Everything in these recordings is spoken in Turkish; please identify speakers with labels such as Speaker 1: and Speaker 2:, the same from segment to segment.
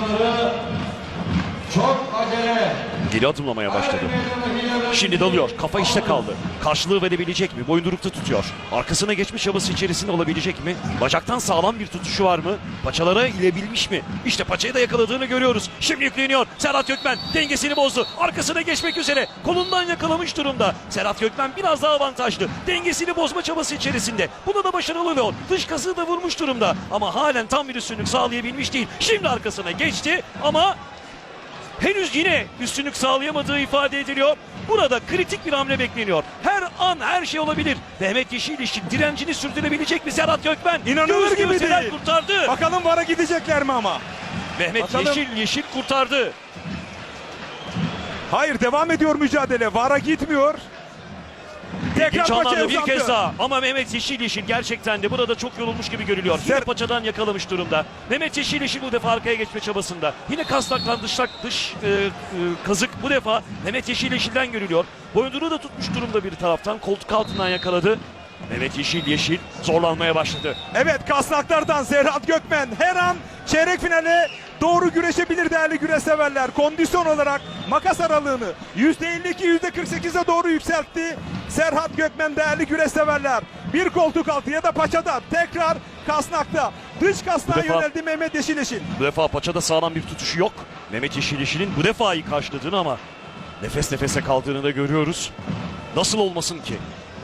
Speaker 1: Çok acele.
Speaker 2: Geri adımlamaya başladı. Şimdi dalıyor. Kafa işte kaldı. Karşılığı verebilecek mi? Boyundurukta tutuyor. Arkasına geçmiş çabası içerisinde olabilecek mi? Bacaktan sağlam bir tutuşu var mı? Paçalara ilebilmiş mi? İşte paçayı da yakaladığını görüyoruz. Şimdi yükleniyor. Serhat Gökmen dengesini bozdu. Arkasına geçmek üzere. Kolundan yakalamış durumda. Serhat Gökmen biraz daha avantajlı. Dengesini bozma çabası içerisinde. Buna da başarılı oluyor. Dış kasığı da vurmuş durumda. Ama halen tam bir üstünlük sağlayabilmiş değil. Şimdi arkasına geçti ama henüz yine üstünlük sağlayamadığı ifade ediliyor. Burada kritik bir hamle bekleniyor. Her an her şey olabilir. Mehmet Yeşiliş'in direncini sürdürebilecek mi Serhat Gökmen?
Speaker 3: İnanılır
Speaker 2: Göğüs
Speaker 3: gibi
Speaker 2: göğüsler
Speaker 3: değil.
Speaker 2: kurtardı.
Speaker 3: Bakalım VAR'a gidecekler mi ama?
Speaker 2: Mehmet
Speaker 3: Bakalım.
Speaker 2: Yeşil kurtardı.
Speaker 3: Hayır, devam ediyor mücadele. VAR'a gitmiyor. Tekrar
Speaker 2: İlginç
Speaker 3: paçaya
Speaker 2: anlarda bir
Speaker 3: uzandı.
Speaker 2: kez daha. Ama Mehmet Yeşil gerçekten de burada çok yorulmuş gibi görülüyor. Yine paçadan yakalamış durumda. Mehmet Yeşil bu defa arkaya geçme çabasında. Yine kasnaktan dış kazık bu defa Mehmet Yeşil'den görülüyor. Boyunduruğu da tutmuş durumda bir taraftan. Koltuk altından yakaladı. Mehmet Yeşil zorlanmaya başladı.
Speaker 3: Evet, kasnaklardan Serhat Gökmen her an çeyrek finale doğru güreşebilir değerli güreş severler. Kondisyon olarak makas aralığını %52 %48'e doğru yükseltti Serhat Gökmen değerli güreş severler. Bir koltuk altı ya da paçada tekrar kasnakta. Dış kasnağa
Speaker 2: defa-
Speaker 3: yöneldi Mehmet Yeşiliş'in.
Speaker 2: Bu defa paçada sağlam bir tutuşu yok. Mehmet Yeşil'in bu defa iyi karşıladığını ama nefes nefese kaldığını da görüyoruz. Nasıl olmasın ki?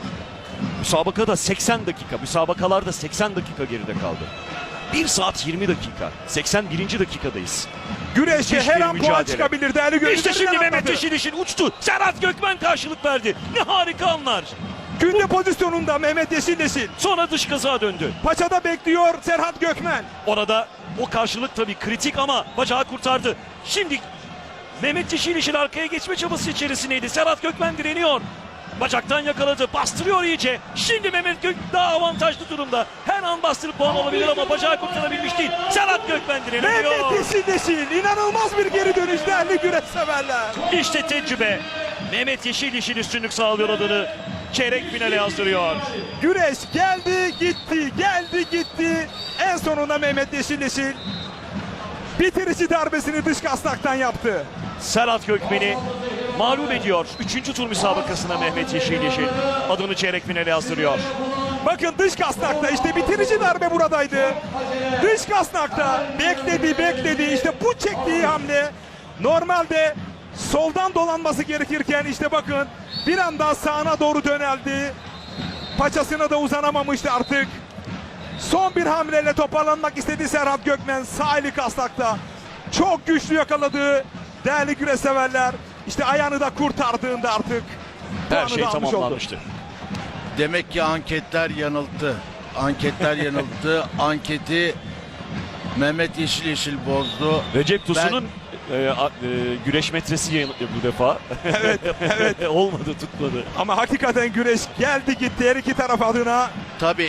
Speaker 2: Müsabakada 80 dakika, müsabakalarda 80 dakika geride kaldı. 1 saat 20 dakika, 81. dakikadayız.
Speaker 3: Güreşe
Speaker 2: Müthiş
Speaker 3: her
Speaker 2: bir
Speaker 3: an puan
Speaker 2: mücadele.
Speaker 3: çıkabilir değerli güreş
Speaker 2: İşte
Speaker 3: severler.
Speaker 2: şimdi Mehmet Yeşil'in uçtu. Serhat Gökmen karşılık verdi. Ne harika anlar.
Speaker 3: Günde pozisyonunda Mehmet Yeşiliş'in.
Speaker 2: Sonra dış kazağa döndü.
Speaker 3: Paçada bekliyor Serhat Gökmen.
Speaker 2: Orada o karşılık tabii kritik ama bacağı kurtardı. Şimdi Mehmet Yeşil'in arkaya geçme çabası içerisindeydi. Serhat Gökmen direniyor. Bacaktan yakaladı. Bastırıyor iyice. Şimdi Mehmet Gök daha avantajlı durumda. Her an bastırıp puan alabilir ama bacağı kurtarabilmiş değil. Serhat Gökmen direniyor.
Speaker 3: Mehmet Yeşiliş'in inanılmaz bir geri dönüş değerli güreş severler.
Speaker 2: İşte tecrübe. Mehmet Yeşil üstünlük sağlıyor adını. Çeyrek finale yazdırıyor.
Speaker 3: Güreş geldi gitti, geldi gitti. En sonunda Mehmet Yeşiliş'in bitirici darbesini dış kasnaktan yaptı.
Speaker 2: Serhat Gökmen'i mağlup ediyor. 3. tur müsabakasına Mehmet Yeşil adını çeyrek finale yazdırıyor.
Speaker 3: Bakın dış kasnakta işte bitirici darbe buradaydı. Dış kasnakta bekledi işte bu çektiği hamle normalde soldan dolanması gerekirken işte bakın bir anda sağına doğru döneldi. Paçasına da uzanamamıştı artık. Son bir hamleyle toparlanmak istedi Serhat Gökmen sağ eli kasnakta. Çok güçlü yakaladığı değerli güreş severler. İşte ayağını da kurtardığında artık
Speaker 2: Her
Speaker 3: puanı
Speaker 2: şey
Speaker 3: da almış oldu.
Speaker 2: tamamlanmıştı.
Speaker 4: Demek ki anketler yanılttı. Anketler yanılttı. Anketi Mehmet Yeşil bozdu.
Speaker 2: Recep Tosun'un güreş metresi yanılttı bu defa.
Speaker 3: Evet.
Speaker 2: Olmadı, tutmadı.
Speaker 3: Ama hakikaten güreş geldi gitti her iki taraf adına.
Speaker 4: Tabii